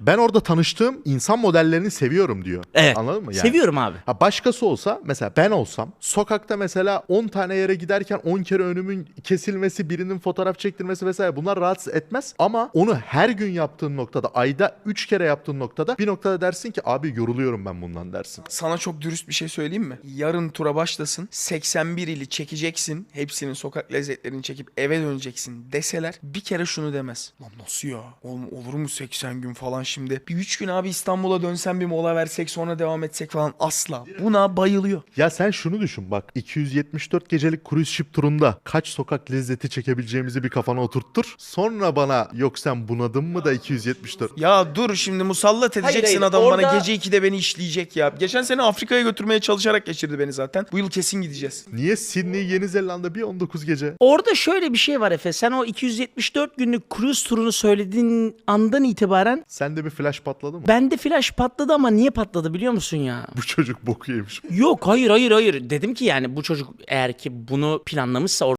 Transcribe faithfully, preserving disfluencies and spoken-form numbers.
Ben orada tanıştığım insan modellerini seviyorum diyor. Evet. Anladın mı? Yani, Seviyorum abi. Ha başkası olsa mesela ben olsam sokakta mesela on tane yere giderken on kere önümün kesilmesi, birinin fotoğraf çektirmesi vesaire bunlar rahatsız etmez. Ama onu her gün yaptığın noktada, ayda üç kere yaptığın noktada bir noktada dersin ki abi yoruluyorum ben bundan dersin. Sana çok dürüst bir şey söyleyeyim mi? Yarın tura başlasın. seksen bir ili çekeceksin. Hepsinin sokak lezzetlerini çekip eve döneceksin deseler bir kere şunu demez. Lan nasıl ya? Oğlum olur mu seksen gün falan şimdi? Bir üç gün abi İstanbul'a dönsen bir mola versek sonra devam etsek falan asla. Buna bayılıyor. Ya sen şunu düşün bak iki yüz yetmiş dört gecelik cruise ship turunda kaç sokak lezzeti çekebileceğimizi bir kafana oturttur. Sonra bana yok sen bunadın mı da iki yüz yetmiş dört. Ya dur şimdi musallat edeceksin Hayır, hayır, adam orada- bana gece ikide beni işleyecek ya. Geçen sene Afrika'ya götürmeye çalışarak geçirdi beni zaten. Bu yıl kesin gideceğiz. Niye Sydney, Yeni Zelanda bir on dokuz gece? Orada şöyle bir şey var Efe. Sen o iki yüz yetmiş dört günlük cruise turunu söylediğin andan itibaren Sende bir flash patladı mı? bende flash patladı ama niye patladı biliyor musun ya? Bu çocuk boku yemiş. Yok hayır hayır hayır. Dedim ki yani bu çocuk eğer ki bunu planlamışsa